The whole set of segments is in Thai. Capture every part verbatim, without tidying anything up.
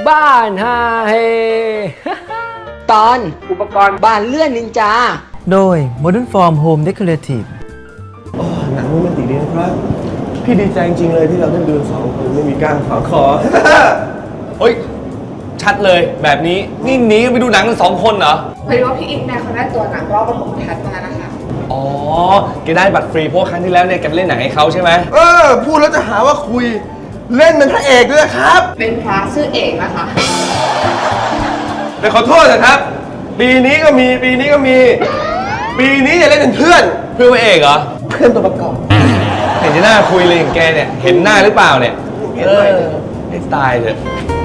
บ้านฮาเฮ ตอนอุปกรณ์บ้านเลื่อนนินจาโดย Modern Form Home Decorative โอ้หนังโรแมนติกดีนะครับพี่ดีใจจริงๆเลยที่เราได้ดูสองคนไม่มีก้างขวางคอเฮ้ยชัดเลยแบบนี้นี่หนีไปดูหนังกันสองคนเหรอพอดีว่าพี่อิงเนี่ยเขาได้ตัวหนังรอบปฐมทัศน์มานะคะอ๋อแกได้บัตรฟรีเพราะครั้งที่แล้วเนี่ยแกไปเล่นหนังให้เขาใช่ไหมเออพูดแล้วจะหาว่าคุยเล่นเป็นพระเอกด้วยครับเป็นพระชื่อเอกนะคะแต่ขอโทษนะครับปีนี้ก็มีปีนี้ก็มี ปีนี้จะเล่นเป็นเพื่อนเพื่อนพระเอกเหรอเพื่อนตัวประกอบเห็นจะน่าคุยเลยอย่างแกเนี่ยเห็นหน้าหรือเปล่าเนี่ยเห็นหน่อยให้ตายเถอะ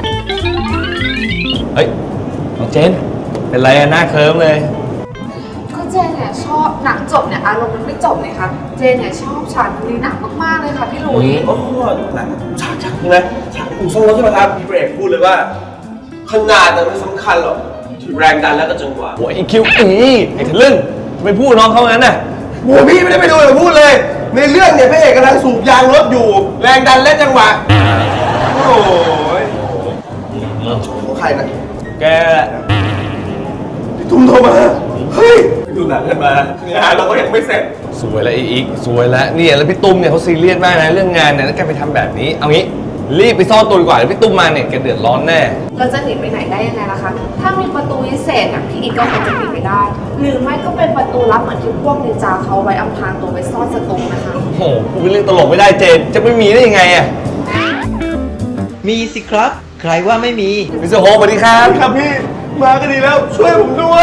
เฮ้ยน้องเจนเป็นไรอะหน้าเคิร์มเลยก็เจนเนี่ยชอบหนังจบเนี่ยอารมณ์มันไม่จบเลยค่ะเจนเนี่ยชอบฉากนี้หนักมากๆเลยค่ะพี่หลุยโอ้หนังฉากฉากใช่ไหมฉากอู่ซ่อมรถใช่ไหมครับพี่พระเอกพูดเลยว่าขนาดน่ะไม่สำคัญหรอกที่แรงดันแล้วก็จังหวะโอ้ยไอ้คิวอีไอ้ทะลึ่งไปพูดน้องเขางั้นน่ะโอ้พี่ไม่ได้ไปดูเลยพูดเลย ในเรื่องเนี่ยพระเอกกำลังสูบยางรถอยู่ แรงดันและจังหวะโอ้ยของใครนะแกพี่ตุ้มโทรมาเฮ้ยไปดูหนังกันมางานเราก็ยังไม่เสร็จสวยแล้วไอ้อีกสวยแล้วเนี่ยแล้วพี่ตุ้มเนี่ยเขาซีเรียสมากนะเรื่องงานเนี่ยแล้วแกไปทำแบบนี้เอางี้รีบไปซ่อนตัวดีกว่าเดี๋ยวพี่ตุ้มมาเนี่ยแกเดือดร้อนแน่เราจะหนีไปไหนได้ยังไงล่ะคะถ้ามีประตูวิเศษอ่ะพี่อิงก็คงจะหนีไปได้ หรือไม่ก็เป็นประตูลับเหมือนที่พวกนินจาเขาไว้อำพรางตัวไว้ซ่อนศัตรูนะคะโอ้โหพูดเรื่องตลกไม่ได้เจนจะไม่มีได้ยังไงอะมีสิครับ ใครว่าไม่มีมิสเตอร์โฮสวัสดีครับครับพี่มาก็ดีแล้วช่วยผมด้วย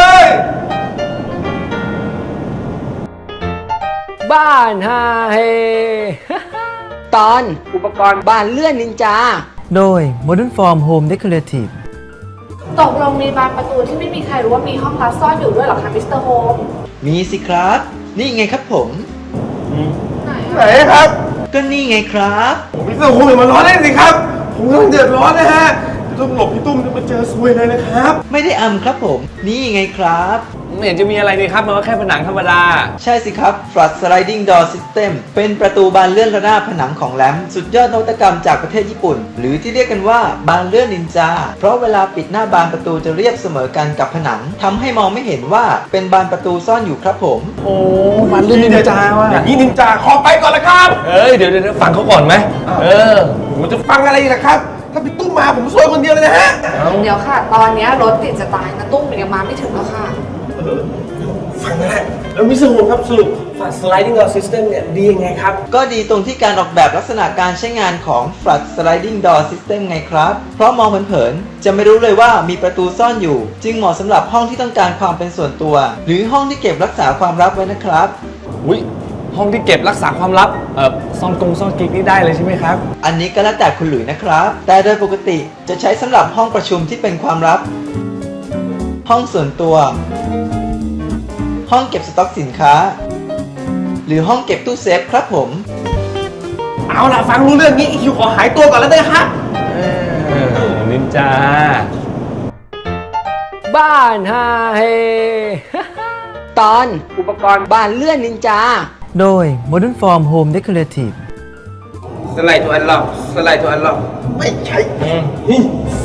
บ้านฮาเฮ ตอนอุปกรณ์บ้านเลื่อนนินจาโดย Modern Form Home Decorative ตกลงมีบานประตูที่ไม่มีใครรู้ว่ามีห้องลับซ่อนอยู่ด้วยเหรอคะมิสเตอร์โฮมมีสิครับ นี่ไงครับผมไหนไหนอะครับก็นี่ไงครับผมพี่ตุ้มคุณอย่ามาร้อนเล่นสิครับ ผมกำลังเดือดร้อนนะฮะพี่ตุ้มหลบพี่ตุ้มจะมาเจอซวยเลยนะครับไม่ได้อำครับผม นี่ไงครับไม่เห็นจะมีอะไรนี่ครับมันก็แค่ผนังธรรมดาใช่สิครับ Flood Sliding Door System เป็นประตูบานเลื่อนระนาบผนังของแรมสุดยอดนวัตกรรมจากประเทศญี่ปุ่น หรือที่เรียกกันว่าบานเลื่อนนินจา เพราะเวลาปิดหน้าบานประตูจะเรียบเสมอกันกับผนังทำให้มองไม่เห็นว่าเป็นบานประตูซ่อนอยู่ครับผมโอ้มันเรื่องนินจาว่ะอย่างนี้นินจาขอไปก่อนละครับเอ้ยเดี๋ยวเดี๋ยวฟังเขาก่อนไหมเออผมจะฟังอะไรอีกล่ะครับ ถ้าพี่ตุ้มมาผมซวยคนเดียวเลยนะฮะเดี๋ยวค่ะ ตอนเนี้ยรถติดจะตายนะตุ้มยังมาไม่ถึงแล้วค่ะเออฟังนะฮะแล้วมิสเตอร์โฮมครับสรุปฝัด sliding door system เนี่ยดียังไงครับก็ดีตรงที่การออกแบบลักษณะการใช้งานของ Flood Sliding Door System ไงครับ เพราะมองเผินๆจะไม่รู้เลยว่ามีประตูซ่อนอยู่ จึงเหมาะสำหรับห้องที่ต้องการความเป็นส่วนตัว หรือห้องที่เก็บรักษาความลับไว้นะครับอุ้ยห้องที่เก็บรักษาความลับเออซ่อนกงซ่อนกิ๊กนี่ได้เลยใช่ไหมครับอันนี้ก็แล้วแต่คุณหลุยนะครับ แต่โดยปกติจะใช้สำหรับห้องประชุมที่เป็นความลับ ห้องส่วนตัว ห้องเก็บสต็อกสินค้า หรือห้องเก็บตู้เซฟครับผมเอาล่ะฟังรู้เรื่องนี้อีคิวขอหายตัวก่อนแล้วได้ครับเออนินจาบ้านฮาเฮ ตอนอุปกรณ์บ้านเลื่อนนินจาโดย Modern Form Home Decorative สไลด์ตัวอันล็อกสไลด์ตัวอันล็อกไม่ใช่นี่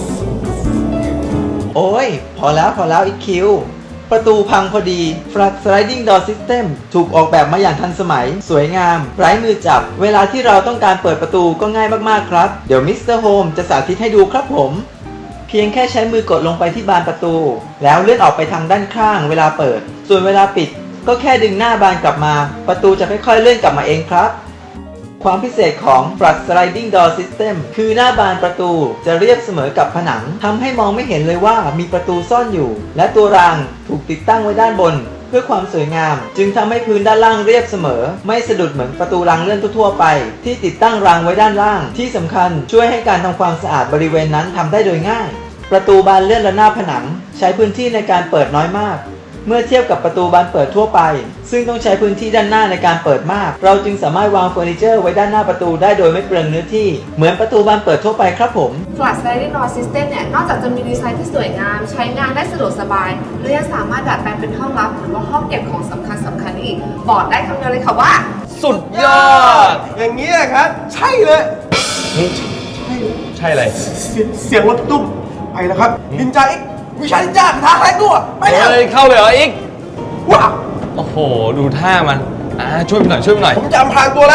โอ้ย พอแล้วพอแล้วอีคิว ประตูพังพอดี Flood Sliding Door System ถูกออกแบบมาอย่างทันสมัย สวยงาม ไร้มือจับ เวลาที่เราต้องการเปิดประตูก็ง่ายมากๆครับ เดี๋ยวมิสเตอร์โฮมจะสาธิตให้ดูครับผม เพียงแค่ใช้มือกดลงไปที่บานประตู แล้วเลื่อนออกไปทางด้านข้างเวลาเปิด ส่วนเวลาปิดก็แค่ดึงหน้าบานกลับมา ประตูจะค่อยๆเลื่อนกลับมาเองครับ ความพิเศษของ Flood Sliding Door System คือหน้าบานประตูจะเรียบเสมอกับผนังทำให้มองไม่เห็นเลยว่ามีประตูซ่อนอยู่ และตัวรางถูกติดตั้งไว้ด้านบน เพื่อความสวยงาม จึงทำให้พื้นด้านล่างเรียบเสมอ ไม่สะดุดเหมือนประตูรางเลื่อนทั่วๆไป ที่ติดตั้งรางไว้ด้านล่าง ที่สำคัญช่วยให้การทำความสะอาดบริเวณนั้นทำได้โดยง่าย ประตูบานเลื่อนระนาบผนังใช้พื้นที่ในการเปิดน้อยมาก เมื่อเทียบกับประตูบานเปิดทั่วไป ซึ่งต้องใช้พื้นที่ด้านหน้าในการเปิดมาก เราจึงสามารถวางเฟอร์นิเจอร์ไว้ด้านหน้าประตูได้โดยไม่เปลืองเนื้อที่ เหมือนประตูบานเปิดทั่วไปครับผม Flood Sliding Door System เนี่ยนอกจากจะมีดีไซน์ที่สวยงาม ใช้งานได้สะดวกสบายและยังสามารถดัดแปลงเป็นห้องลับหรือว่าห้องเก็บของสำคัญสำคัญอีกบอกได้คำเดียวเลยค่ะว่าสุดยอดอย่างนี้ยครับ ใช่เลยใช่อะไรเสียงเสียงรถตุ้มไปแล้วครับนินจาอีกวิชานินจากระทาแรงตัวไปแล้วเฮ้ยเข้าเลยเหรออีกว้าวโอ้โห ดูท่ามันอ่าช่วยไปหน่อยช่วยไปหน่อยผมจะอำพรางตัวแล้ว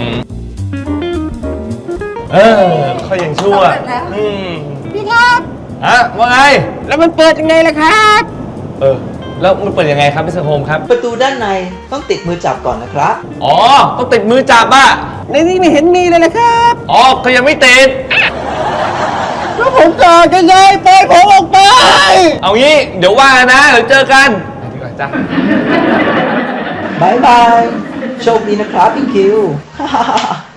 เออเขายังชั่วสำเร็จแล้วอืมพี่ครับฮะว่าไงแล้วมันเปิดยังไงล่ะครับเออ แล้วมันเปิดยังไงครับพี่เซอร์โฮมครับประตูด้านในต้องติดมือจับก่อนนะครับอ๋อ ต้องติดมือจับอ่ะในนี้ไม่เห็นมีเลยนะครับอ๋อก็ยังไม่ติดแล้วผมก่อนกันเลยปล่อยผมออกไปเอางี้ เดี๋ยวว่ากันนะ เดี๋ยวเจอกันไปดีกว่าจ้ะบายบาย โชคดีนะครับอีคิว